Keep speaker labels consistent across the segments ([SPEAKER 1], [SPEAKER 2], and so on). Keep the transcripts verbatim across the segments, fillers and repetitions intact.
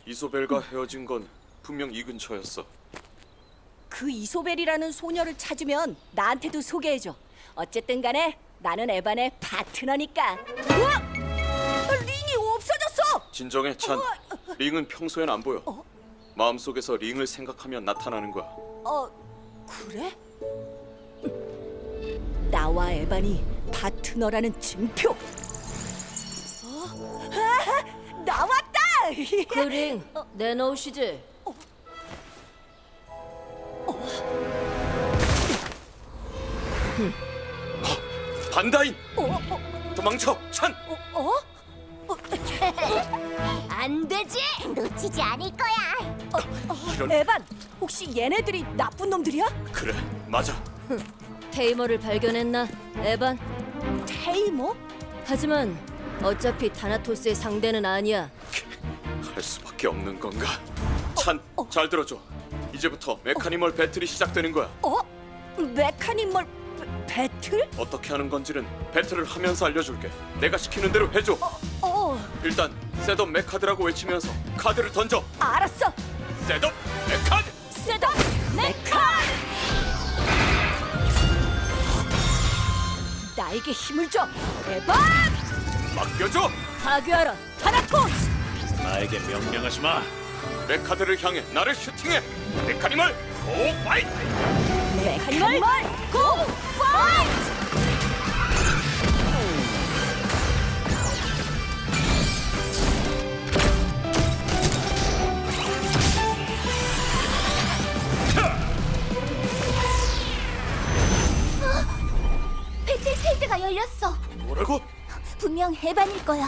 [SPEAKER 1] 이소벨과 헤어진 건 분명 이 근처였어.
[SPEAKER 2] 그 이소벨이라는 소녀를 찾으면 나한테도 소개해줘. 어쨌든 간에 나는 에반의 파트너니까. 우와! 링이 없어졌어!
[SPEAKER 1] 진정해, 찬.
[SPEAKER 2] 우와!
[SPEAKER 1] 링은 평소엔 안 보여.
[SPEAKER 2] 어?
[SPEAKER 1] 마음속에서 링을 생각하면 나타나는 거야.
[SPEAKER 2] 어, 그래? 나와 에반이 파트너라는 증표. 어? 아, 나왔다!
[SPEAKER 3] 그링 내놓으시지.
[SPEAKER 1] 반다인!
[SPEAKER 2] 어? 어?
[SPEAKER 1] 도망쳐, 찬!
[SPEAKER 2] 어? 어? 어?
[SPEAKER 4] 안 되지! 놓치지 않을 거야.
[SPEAKER 1] 이런...
[SPEAKER 2] 에반, 혹시 얘네들이 나쁜 놈들이야?
[SPEAKER 1] 그래, 맞아.
[SPEAKER 3] 테이머를 발견했나, 에반?
[SPEAKER 2] 테이머?
[SPEAKER 3] 하지만 어차피 타나토스의 상대는 아니야.
[SPEAKER 1] 할 수밖에 없는 건가? 찬, 잘 들어줘. 이제부터 메카니멀 배틀이 시작되는 거야.
[SPEAKER 2] 어? 메카니멀 배, 배틀?
[SPEAKER 1] 어떻게 하는 건지는 배틀을 하면서 알려줄게. 내가 시키는 대로 해줘.
[SPEAKER 2] 어,
[SPEAKER 1] 일단 셋업 메카드라고 외치면서 카드를 던져.
[SPEAKER 2] 알았어.
[SPEAKER 1] 셋업 메카드!
[SPEAKER 2] 셋업 메카! 나에게 힘을 줘, 에반!
[SPEAKER 1] 맡겨줘!
[SPEAKER 3] 파괴하라,
[SPEAKER 2] 타나토스!
[SPEAKER 5] 나에게 명령하지 마.
[SPEAKER 1] 메카드를 향해 나를 슈팅해. 메카니멀 고 파이트!
[SPEAKER 2] 메카니멀 고 파이트!
[SPEAKER 4] 배틀필드가 열렸어.
[SPEAKER 1] 뭐라고?
[SPEAKER 4] 분명 해반일 거야.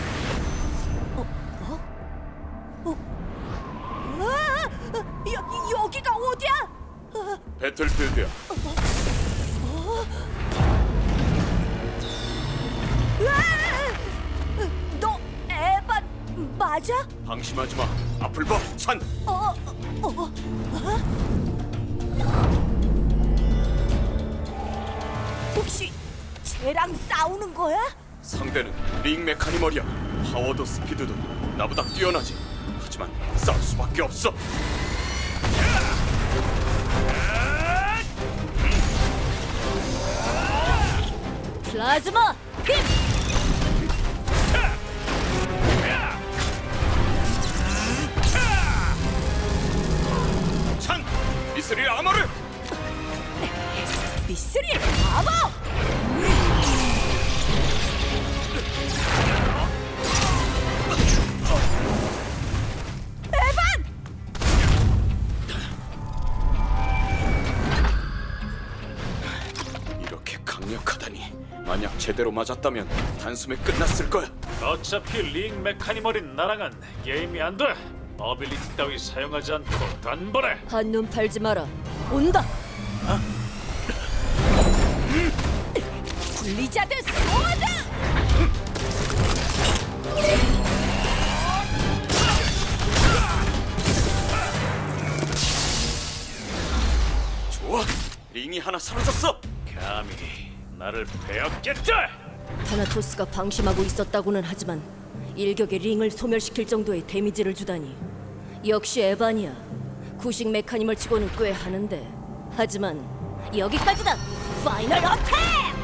[SPEAKER 2] 아, 여, 여기가 어디야? 아,
[SPEAKER 1] 배틀필드야.
[SPEAKER 2] 으아! 너 에반 맞아?
[SPEAKER 1] 방심하지 마. 앞을 봐, 찬.
[SPEAKER 2] 어, 어, 어, 어? 혹시 쟤랑 싸우는 거야?
[SPEAKER 1] 상대는 링 메카니멀이야. 파워도 스피드도 나보다 뛰어나지. 하지만 싸울 수밖에 없어.
[SPEAKER 3] 플라즈마 힘!
[SPEAKER 1] 찬, 미스릴 아머를.
[SPEAKER 2] 미스릴 아머! 에반!
[SPEAKER 1] 이렇게 강력하다니. 만약 제대로 맞았다면 단숨에 끝났을 거야.
[SPEAKER 5] 어차피 링 메카니멀인 나랑은 게임이 안 돼. 어빌리티 따위 사용하지 않고 단번에.
[SPEAKER 3] 한눈 팔지 마라. 온다.
[SPEAKER 2] 블리자드 소드!
[SPEAKER 1] 좋아, 링이 하나 사라졌어.
[SPEAKER 5] 감히 나를 베었겠다.
[SPEAKER 3] 타나토스가 방심하고 있었다고는 하지만 일격에 링을 소멸시킬 정도의 데미지를 주다니. 역시 에반이야. 구식 메카니멀 치고는 꽤 하는데. 하지만 여기까지다. 파이널 어택!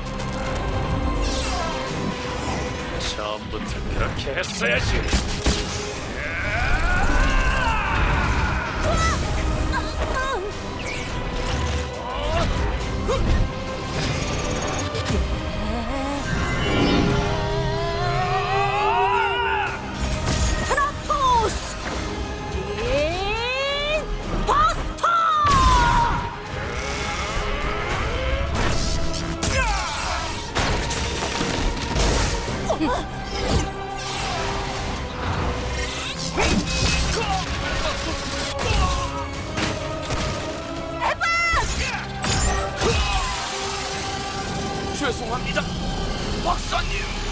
[SPEAKER 5] 처음부터 그렇게 했어야지.
[SPEAKER 2] 타나토스! 린 버스터!
[SPEAKER 1] 죄송합니다, 박사님.